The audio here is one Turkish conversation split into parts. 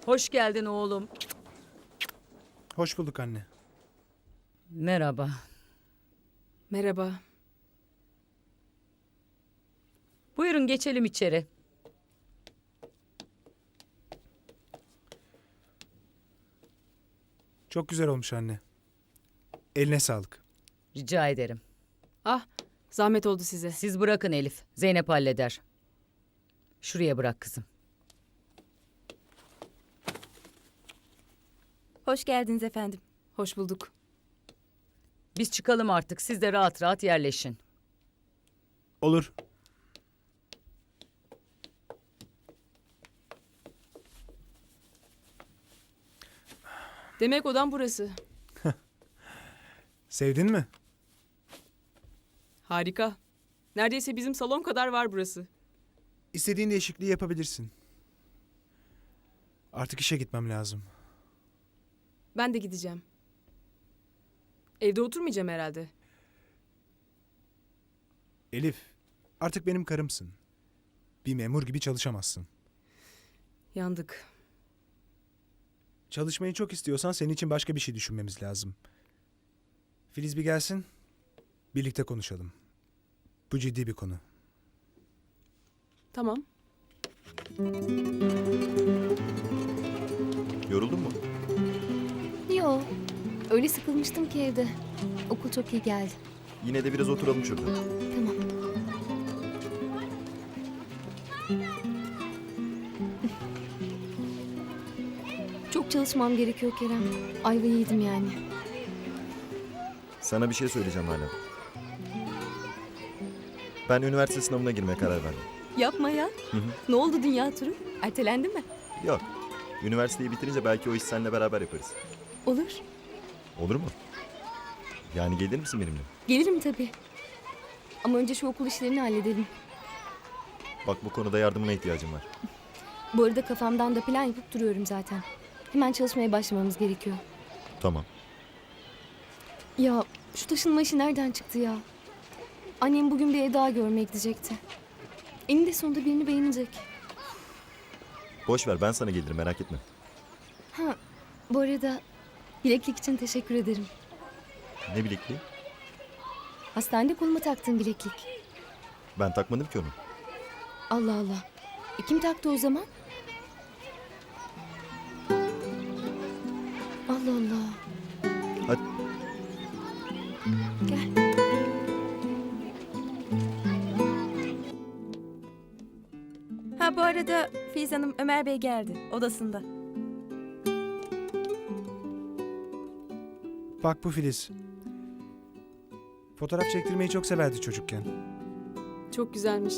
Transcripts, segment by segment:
Hoş geldin oğlum. Hoş bulduk anne. Merhaba. Merhaba. Buyurun geçelim içeri. Çok güzel olmuş anne. Eline sağlık. Rica ederim. Ah, zahmet oldu size. Siz bırakın Elif. Zeynep halleder. Şuraya bırak kızım. Hoş geldiniz efendim. Hoş bulduk. Biz çıkalım artık. Siz de rahat rahat yerleşin. Olur. Demek odam burası. Sevdin mi? Harika. Neredeyse bizim salon kadar var burası. İstediğin değişikliği yapabilirsin. Artık işe gitmem lazım. Ben de gideceğim. Evde oturmayacağım herhalde. Elif, artık benim karımsın. Bir memur gibi çalışamazsın. Yandık. Çalışmayı çok istiyorsan senin için başka bir şey düşünmemiz lazım. Filiz bir gelsin. Birlikte konuşalım. Bu ciddi bir konu. Tamam. Yoruldun mu? Yo, öyle sıkılmıştım ki evde. Okul çok iyi geldi. Yine de biraz oturalım şurada. Tamam. Çok çalışmam gerekiyor Kerem. Ayvayı yedim yani. Sana bir şey söyleyeceğim hala. Ben üniversite sınavına girmeye karar verdim. Yapma ya. Ne oldu dünya turu? Ertelendi mi? Yok. Üniversiteyi bitirince belki o iş seninle beraber yaparız. Olur. Olur mu? Yani gelir misin benimle? Gelirim tabii. Ama önce şu okul işlerini halledelim. Bak bu konuda yardımına ihtiyacım var. Bu arada kafamdan da plan yapıp duruyorum zaten. Hemen çalışmaya başlamamız gerekiyor. Tamam. Ya şu taşınma işi nereden çıktı ya? Annem bugün bir ev daha görmeye gidecekti. Eninde sonunda birini beğenecek. Boş ver ben sana gelirim merak etme. Ha, bu arada bileklik için teşekkür ederim. Ne bilekliği? Hastanede koluma taktığım bileklik. Ben takmadım ki onu. Allah Allah. Kim taktı o zaman? Allah Allah. Hadi. Gel. Ha bu arada Filiz Hanım Ömer Bey geldi odasında. Bak bu Filiz. Fotoğraf çektirmeyi çok severdi çocukken. Çok güzelmiş.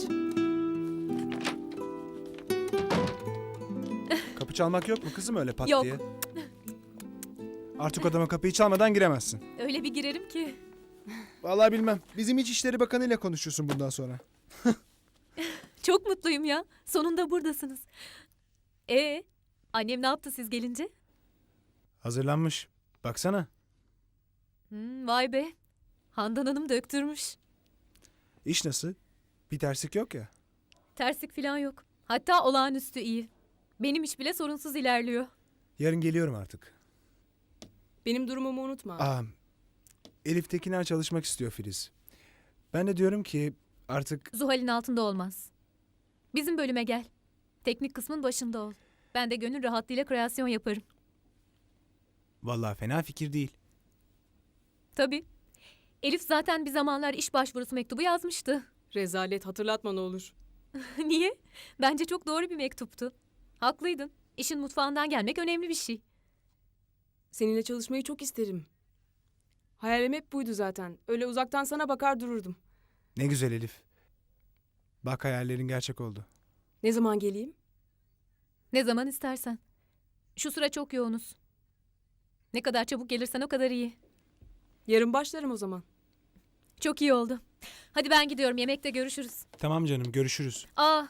Kapı çalmak yok mu kızım öyle pat Yok. diye? Artık odama kapıyı çalmadan giremezsin. Öyle bir girerim ki. Vallahi bilmem. Bizim İçişleri Bakanı ile konuşuyorsun bundan sonra. Çok mutluyum ya. Sonunda buradasınız. Annem ne yaptı siz gelince? Hazırlanmış. Baksana. Vay be. Handan Hanım döktürmüş. İş nasıl? Bir terslik yok ya. Terslik falan yok. Hatta olağanüstü iyi. Benim iş bile sorunsuz ilerliyor. Yarın geliyorum artık. Benim durumumu unutma. Elif Tekiner çalışmak istiyor Filiz. Ben de diyorum ki artık Zuhal'in altında olmaz. Bizim bölüme gel. Teknik kısmın başında ol. Ben de gönül rahatlığıyla kreasyon yaparım. vallahi fena fikir değil. Tabii. Elif zaten bir zamanlar iş başvurusu mektubu yazmıştı. Rezalet, hatırlatma ne olur. Niye? Bence çok doğru bir mektuptu. Haklıydın. İşin mutfağından gelmek önemli bir şey. Seninle çalışmayı çok isterim. Hayalim hep buydu zaten. Öyle uzaktan sana bakar dururdum. Ne güzel Elif. Bak hayallerin gerçek oldu. Ne zaman geleyim? Ne zaman istersen. Şu sıra çok yoğunuz. Ne kadar çabuk gelirsen o kadar iyi. Yarın başlarım o zaman. Çok iyi oldu. Hadi ben gidiyorum. Yemekte görüşürüz. Tamam canım görüşürüz.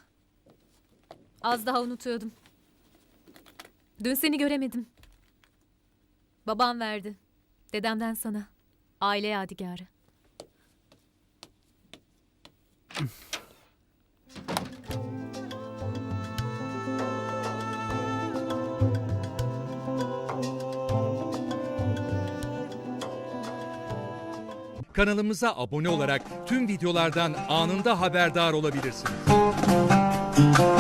Az daha unutuyordum. Dün seni göremedim. Babam verdi. Dedemden sana. Aile yadigarı. kanalımıza abone olarak tüm videolardan anında haberdar olabilirsiniz.